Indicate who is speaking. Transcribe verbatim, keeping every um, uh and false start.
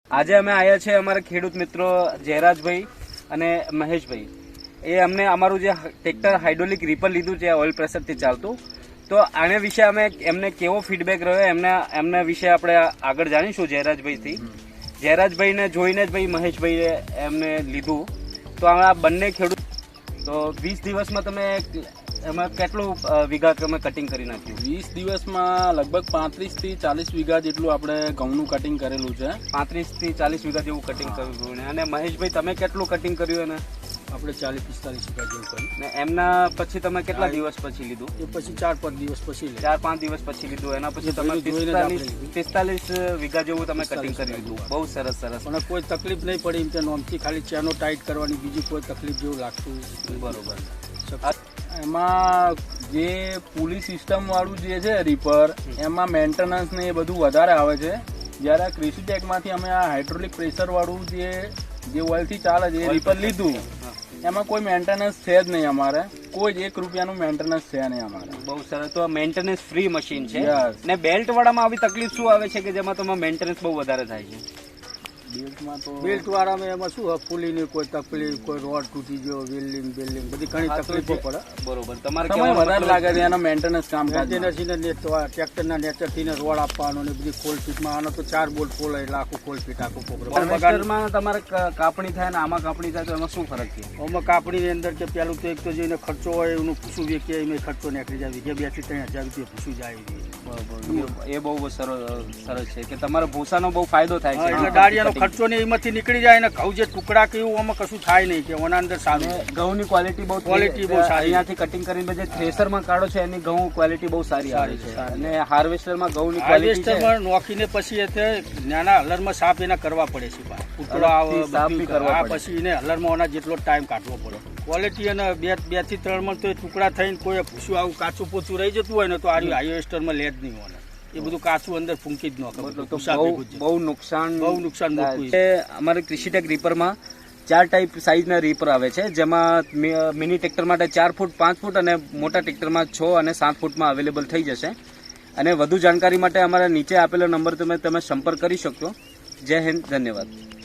Speaker 1: આજે અમે આવ્યા છે અમારા ખેડૂત મિત્રો જયરાજભાઈ અને મહેશભાઈ. એ અમને અમારું જે ટ્રેક્ટર હાઇડ્રોલિક રીપર લીધું છે ઓઇલ પ્રેશરથી ચાલતું, તો આના વિશે અમે એમને કેવો ફીડબેક રહ્યો એમના એમના વિશે આપણે આગળ જાણીશું જયરાજભાઈથી. જયરાજભાઈને જોઈને જ ભાઈ મહેશભાઈએ એમને લીધું. તો આ બંને ખેડૂત તો વીસ દિવસમાં તમે એમાં કેટલું વીઘા તમે કટિંગ કરી નાખ્યું?
Speaker 2: વીસ દિવસમાં લગભગ પાંત્રીસ થી ચાલીસ વીઘા જેટલું આપણે ઘઉંનું કટિંગ કરેલું છે.
Speaker 1: પાંત્રીસ થી ચાલીસ વીઘા જેવું કટિંગ કર્યું. અને મહેશભાઈ તમે કેટલું કટિંગ કર્યું? એને
Speaker 2: આપણે ચાલીસ પિસ્તાલીસ વીઘા જેવું કર્યું.
Speaker 1: ને એમના પછી તમે કેટલા દિવસ પછી લીધું?
Speaker 2: એ પછી ચાર પાંચ દિવસ પછી
Speaker 1: ચાર પાંચ દિવસ પછી લીધું. એના પછી તમે પિસ્તાલીસ પિસ્તાલીસ વીઘા જેવું તમે કટિંગ કરી લીધું. બહુ સરસ સરસ.
Speaker 2: પણ કોઈ તકલીફ નહીં પડી. એમ કે નોમથી ખાલી ચેનો ટાઈટ કરવાની, બીજી કોઈ તકલીફ જેવું લાગતું
Speaker 1: બરોબર.
Speaker 2: એમાં જે પુલી સિસ્ટમ વાળું જે છે રીપર, એમાં મેન્ટેનન્સ ને એ બધું વધારે આવે છે. જ્યારે આ કૃષિ ટેકમાંથી અમે આ હાઇડ્રોલિક પ્રેશર વાળું જે જે ઓઇલથી ચાલે છે એ રીપર લીધું, એમાં કોઈ મેન્ટેનન્સ છે જ નહીં. અમારે કોઈ જ એક રૂપિયાનું મેન્ટેનન્સ છે નહીં અમારે.
Speaker 1: બહુ સરસ. તો મેન્ટેનન્સ ફ્રી મશીન છે. ને બેલ્ટ વાળામાં આવી તકલીફ શું આવે છે કે જેમાં તમારે મેન્ટેનન્સ બહુ વધારે થાય છે?
Speaker 2: બેલ્ટમાં તો બેલ્ટ વાળામાં એમાં શું ફૂલીની કોઈ તકલીફ, કોઈ રોડ તૂટી ગયો, વેલ્ડિંગ બેલ્ડિંગ બધી ઘણી તકલીફો પડે.
Speaker 1: બરોબર. તમારે
Speaker 2: સમય વધારે લાગે છે એના મેન્ટેનન્સ કામ. ટ્રેક્ટરના નેચરથી રોડ આપવાનો ને બધી ખોલ ફીટમાં આનો તો ચાર બોલ્ટ ખોલે એટલે આખું ખોલ ફીટ આખું પ્રોગ્રામ.
Speaker 1: તમારે કાપણી થાય ને આમાં કાપણી થાય તો એમાં શું ફરક છે?
Speaker 2: આમાં કાપણીની અંદર કે પેલું તો એક તો જેને ખર્ચો હોય એનું પૂછું કે એમાં ખર્ચો નીકળી જાય. વીઘે બે થી ત્રણ હજાર રૂપિયા પૂછું જાય.
Speaker 1: એ બહુ સરસ છે કે તમારે ભૂસાનો બહુ ફાયદો થાય છે.
Speaker 2: એટલે ડાળિયાનો ખર્ચો ને એમાંથી નીકળી જાય ને ઘઉં જે ટુકડા કેવું આમાં કશું થાય નહીં કે ઓના અંદર સારું.
Speaker 1: ઘઉંની ક્વોલિટી બહુ ક્વોલિટી બહુ સારી. અહીંયાથી કટિંગ કરીને જે થ્રેસરમાં કાઢો છે એની ઘઉં ક્વોલિટી બહુ સારી આવે છે. અને હાર્વેસ્ટરમાં ઘઉંની ક્વોલિટી
Speaker 2: નોખીને પછી નાના હલરમાં સાફ એના કરવા પડે છે. ઉતળો આવે પછી એને હલરમાં ઓના જેટલો ટાઈમ કાઢવો પડે. ક્વોલિટી અને બે બે થી ત્રણ માં તો ટુકડા થઈને કોઈ ભૂસું આવું કાચું પોચું રહી જતું હોય ને તો આ હાઈવેસ્ટરમાં લે જ નહીં હોય. એ બધું કાચું અંદર ફૂંકી જ ન કરે.
Speaker 1: બહુ નુકસાન
Speaker 2: બહુ નુકસાન.
Speaker 1: અમારે કૃષિટેક રીપરમાં ચાર ટાઈપ સાઇઝના રીપર આવે છે, જેમાં મિની ટ્રેક્ટર માટે ચાર ફૂટ, પાંચ ફૂટ અને મોટા ટ્રેક્ટરમાં છ અને સાત ફૂટમાં અવેલેબલ થઈ જશે. અને વધુ જાણકારી માટે અમારા નીચે આપેલો નંબર તમે તમે સંપર્ક કરી શકશો. જય હિન્દ, ધન્યવાદ.